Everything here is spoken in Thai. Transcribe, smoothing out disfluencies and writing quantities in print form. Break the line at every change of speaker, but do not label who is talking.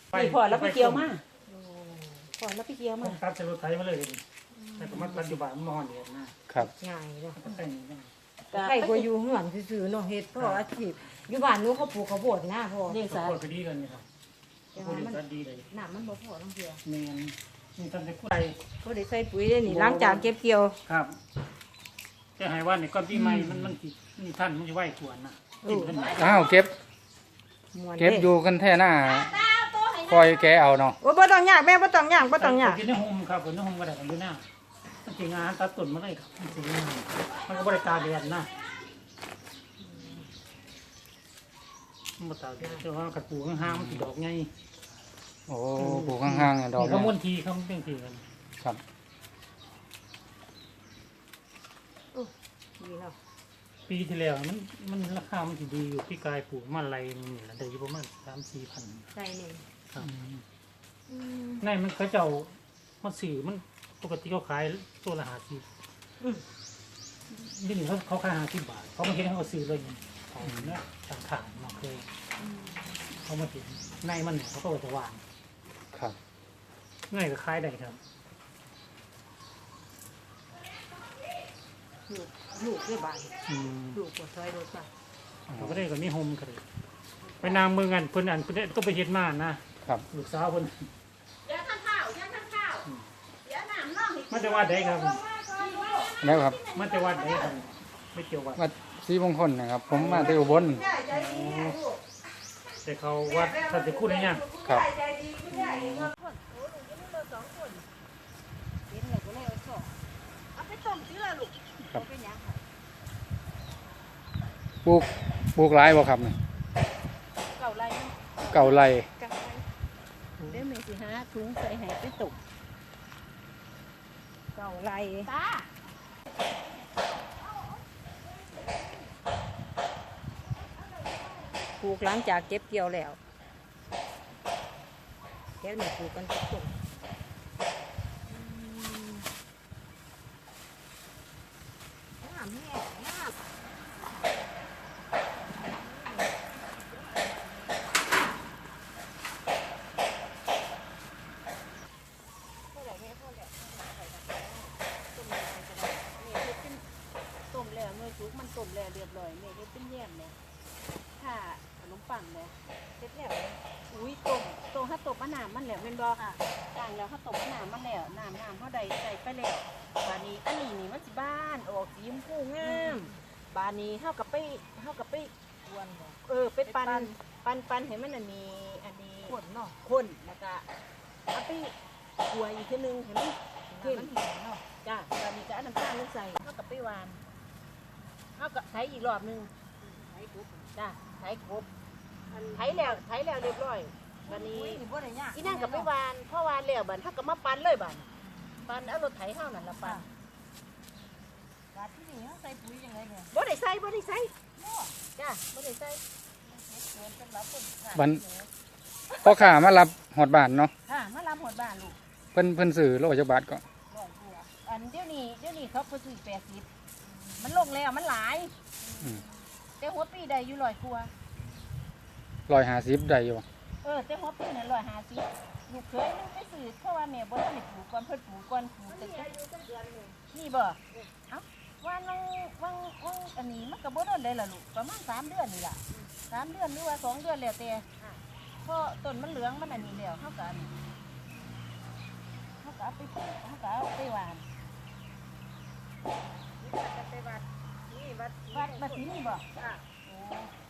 นี่พอแล้วไปเกี่ยวมาพอแล้วไปเกี่ยวมา
ตัดใส่รถไถมาเลยแต่ก็มาปัจจุบันมอเดียนนะครับ
ง่ายเนาะ
ก็แต่งนี่
ใครก็อยู่เฮือนซื่อๆเนาะเฮ็ดเพราะอาชีพอยู่บ้านหนูเขาปลูกข้าวโพดนะพ่อ
เลี้ยง
สา
สา
วก็ดีกันนี่ครับพูดกันดีเลย
น้ำมันบ่พอทั้งเทื่อ
แม่นนี่ทำแต่กู้ใด
เขาได้ใส่ปุ๋ยได้นี่หลังจากเก็บเกี่ยว
ครับแต่ให้ว่านี่ก่อนปีใหม่มันนี่ท่านมันจะไหวกวนนะกินขึ้นมา
อ้าวเก็บ
ม่วน
เก็บอยู่กันแท่หน้าคอยแกเอาเนาะ
โอ้บ่ต้องยากแม่บ่ต้องยากบ่ต้องยาก
กินในโฮมครับกินในโฮมก็ได้กันอยู่หน้ามันกินงานตัดต้นมาเลยครับมันสิมันก็บริการแดดนะมันบ่ตากแดดแต่ว่ากระปูข้างๆมันสิดอกไง
โอ้ปลูกข้างๆอะดอก
เขา
เนี่ย
ม้วนทีเขาเป็นทีกัน
ครับ
ดีเนาะ
ปีที่แล้วมันราคามันสิดีอยู่พี่กายปลูกมาอะไรนี่แหละได้อยู่ประมาณ3-4 พัน
ใส่นี่
ครับในมันเขาเจ้ามาสื่อมันปกติเขาขายตัวละ50นี่เขาขาย50 บาทเขามาเห็นเขาก็ซื้อเลยของเนี่ยต่างขายมาเคยเขามาเห็นในมันเนี่ยเขาก็จะวาง
ครับ
ง่ายก็ขายได้ครับ
ลูกด้วยบาน
อืม
ลูกบ่ซอยรถบ้าน
เขาก็ได้ก็มีโฮมกันเลยไปนางเมืองกันเพิ่นอันเพิ่นต้องไปเฮ็ดมานะครับ ลูกสาวเพิ่น
เดี๋ยวท่านข้าวเดี๋ยวท่านข้าวเดี๋ยวน้ำน้อง
มาจากวัดใดครับ
แล้วครับ
มาจากวัดใดครับไม่เกี่ยววัด
วัดศรีมงคลนะครับ ผมมาที่อุบล
แต่เขาวัดท่านจะพูดอะไรเนี่ย
ครับ
เห็นแล้วก็เลยเอาซอกเอาไปต้มสิล่ะลูก
ครับ
เอาไปหยังค่ะ
ปลูกหลายบ่ครับนี่
เก่าไรเนาะ
เก่าไร
เก่าไรเดี๋ยวแม่สิหาถุงใส่ให้ไปตุกเก่าไรตาปลูกหลังจากเก็บเกี่ยวแล้วเดี๋ยวนี่ปลูกกันทุกต้นน้ำแห้งน้ำ
ต้มแล้วเมื่อสุกมันต้มแล้วเรียบร้อยแม่ได้เป็นแยมเนี่ยถ้าขนมปังเนี่ย
เสร็จแล้ว
อุ้ยต้มถ้าต้มมะนาวมันแล้วแม่นบ่ค่ะต่างแล้วถ้าต้มมะนาวมันแล้วน้ำเฮาใดใส่ไปแล้วบาดนี้อันนี้นี่มันสิบ้านออกสีชมพูงามบาดนี้เฮากับไป
กวนบ่
ไปปั่นให้มันอันนี้
ขวดเนาะ
ข้นแล้วก็เอาไปคั่วอีกทีนึงให้มัน
เข้มเนาะ
จ้าบาดนี้ก็เอาน้ำตาลลงใส่เฮากับไปหวานเฮาก็ใช้อีกรอบนึง
ไอ้กุ๊บ
จ้าใช้ครบไถแล้วเรียบร้อยบาดนี้
อุ้ยนี่บ่ได้ยาก
อีนั่งกับไปหวานพอหวานแล้วบัดเฮาก็มาปั่นเลยบัดปั่นเอารถไถเฮานั่นล่ะปั่น
บาดที่นี่เฮาใส่ปุ๋ยจังไดเนี่ย
บ่ได้ใส่จ้าบ่ได้ใส่
เฮ็ดสวนสำหรับคนขาย
บันพ่อข้ามารับหอดบ้านเนาะ
ค่ะมาลำหดบ้านลูก
เพิ่นซื้อโลจักบาทก็
ร้อยกว่า
อันเดี๋ยวนี้เขาเพิ่นซื้อ80มันลงแล้วมันหลาย
อืม
แต่หัวปีได้อยู่100กว่า
150ได้อยู่บ่
แต่หัวปีนั่น150ลูกเคยนึงไปซื้อเพราะว่าแม่บ่ทันได้ปลูกก่อนเพิ่นปลูกก่อนปลูกแต่นี่บ่เอ้าว่างอันนี้มันก็บ่โดนได้ล่ะลูกประมาณ3 เดือนนี่ล่ะ3 เดือนหรือว่า2 เดือนแล้วแต่เพราะต้นมันเหลืองมันอันนี้แล้วเฮาก็เอาไปปลูกเฮาก็เอาไปหวาน
จะไปวัดนี่วัด
วัดที่นี่บ่
ค่ะ
โอ้